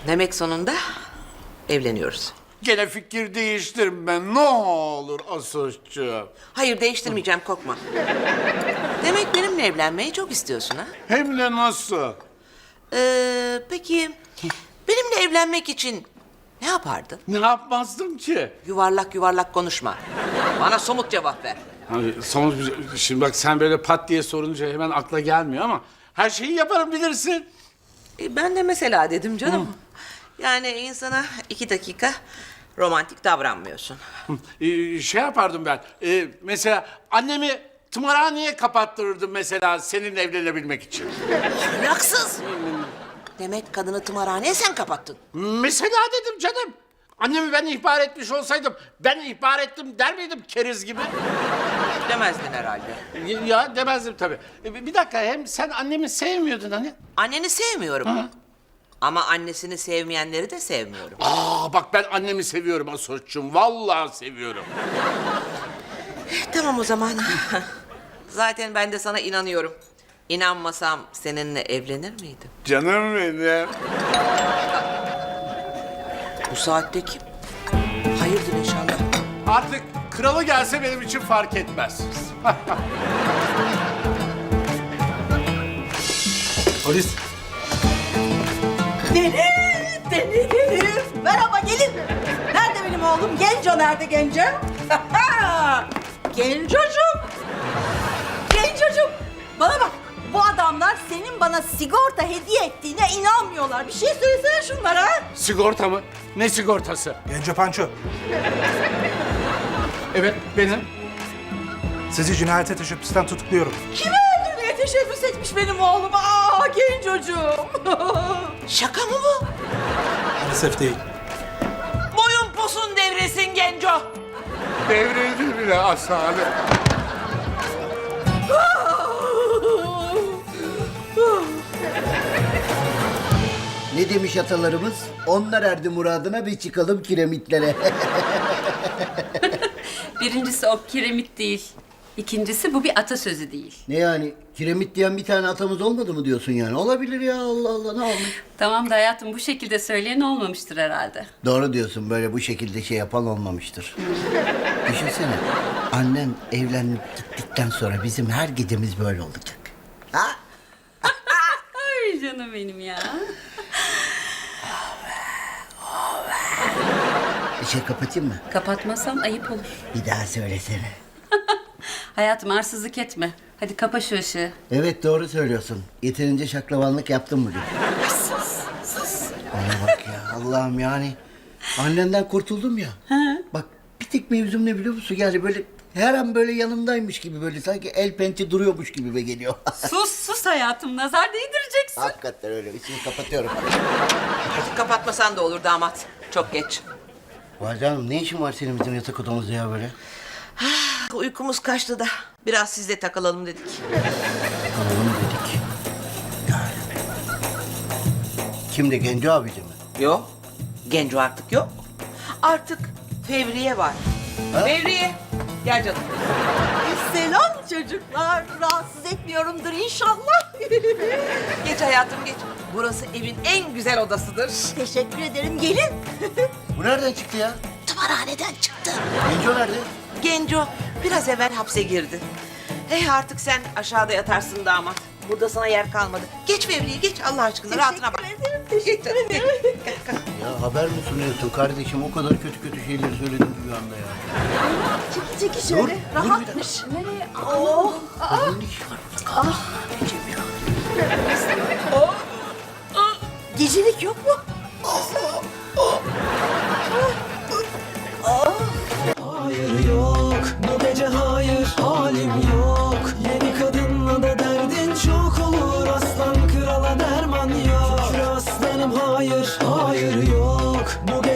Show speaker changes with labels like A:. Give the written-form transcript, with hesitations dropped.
A: Demek sonunda evleniyoruz.
B: Gene fikir değiştirme ne olur Asoş'cuğum.
A: Hayır, değiştirmeyeceğim, korkma. Demek benimle evlenmeyi çok istiyorsun ha?
B: Hem de nasıl?
A: Peki benimle evlenmek için ne yapardın?
B: Ne yapmazdım ki?
A: Yuvarlak yuvarlak konuşma. Bana somut cevap ver.
B: Şimdi bak sen böyle pat diye sorunca hemen akla gelmiyor ama her şeyi yaparım bilirsin.
A: Ben de mesela dedim canım. Yani insana 2 dakika romantik davranmıyorsun.
B: Şey yapardım ben. Mesela annemi tımarhaneye kapattırırdım mesela seninle evlenebilmek için.
A: Ahlaksız. Demek kadını tımarhaneye sen kapattın.
B: Mesela dedim canım. Annemi ben ihbar etmiş olsaydım ben ihbar ettim der miydim keriz gibi?
A: Demezdin herhalde.
B: Ya demezdim tabii. Bir dakika hem sen annemi sevmiyordun hani.
A: Anneni sevmiyorum.
B: Hı.
A: Ama annesini sevmeyenleri de sevmiyorum.
B: Bak ben annemi seviyorum Asoş'cum. Vallahi seviyorum.
A: Tamam o zaman. Zaten ben de sana inanıyorum. İnanmasam seninle evlenir miydim?
B: Canım benim.
A: Bu saatte kim? Hayırdır inşallah.
B: Artık kralı gelse benim için fark etmez.
C: Polis.
D: Deniz. Merhaba gelin. Nerede benim oğlum? Genco nerede Genco? Gencocuğum. Gencocuğum. Bana bak. Bu adamlar senin bana sigorta hediye ettiğine inanmıyorlar. Bir şey söylesene şunlara.
B: Sigorta mı? Ne sigortası?
C: Genco Panço.
B: Evet benim.
C: Sizi cinayete teşebbüsten tutukluyorum.
D: Kimi öldürmeye teşebbüs etmiş benim oğlum? Gencocuğum.
A: Şaka mı bu?
C: Maalesef değil.
A: Boyun posun devresin Genco.
B: Devrildi bile Aslı.
E: Ne demiş atalarımız? Onlar erdi muradına, bir çıkalım kiremitlere.
F: Birincisi o kiremit değil. İkincisi bu bir atasözü değil.
E: Ne yani? Kiremit diyen bir tane atamız olmadı mı diyorsun yani? Olabilir ya, Allah Allah, ne olmuş?
F: Tamam da hayatım bu şekilde söyleyen olmamıştır herhalde.
E: Doğru diyorsun, böyle bu şekilde şey yapan olmamıştır. Düşünsene, annen evlenip gittikten sonra bizim her gecemiz böyle olacak. Ha?
F: Ay canım benim ya.
E: Şey kapatayım mı?
F: Kapatmasam ayıp olur.
E: Bir daha söylesene.
F: Hayatım arsızlık etme. Hadi kapa şu ışığı.
E: Evet, doğru söylüyorsun. Yeterince şaklavanlık yaptım bugün.
F: Sus.
E: Bana bak ya, Allah'ım yani. Annenden kurtuldum ya. Bak bir tek mevzum ne biliyor musun? Yani böyle her an böyle yanımdaymış gibi, böyle sanki el pençe duruyormuş gibi be geliyor.
F: Sus hayatım. Nazar değdireceksin.
E: Hakikaten öyle. İçini kapatıyorum.
A: Artık kapatmasan da olur damat. Çok geç.
E: Valide Hanım, ne işin var senin bizim yatak odamızda ya böyle?
A: Uykumuz kaçtı da biraz sizle takılalım dedik.
E: Kalalım dedik. Yani. Kimdi, Genco abici mi?
A: Yok. Genco artık yok. Artık Fevriye var.
E: Ha?
A: Fevriye. Gel canım.
D: Selam çocuklar. Rahatsız etmiyorumdur inşallah.
A: Geç hayatım geç. Burası evin en güzel odasıdır.
D: Teşekkür ederim. Gelin.
E: Bu nereden çıktı ya?
A: Tımarhaneden çıktı.
E: Genco nerede?
A: Genco biraz evvel hapse girdi. Artık sen aşağıda yatarsın damat. Burada sana yer kalmadı. Geç Fevriye geç Allah aşkına rahatına bak.
D: Teşekkür ederim. Teşekkür ederim.
E: Ya haber mi sunuyorsun kardeşim? O kadar kötü şeyleri söyledim ki bir anda ya.
D: Çeki şöyle.
E: Dur bir
D: Rahatmış. Nereye? Oh.
E: Kadının ne işi var burada? Anneciğim ya.
D: Gecelik yok mu?
G: Hayır yok bu gece hayır halim yok. Yeni kadınla da derdin çok olur. Aslan krala derman yok. Şükür aslanım hayır yok. Bu gece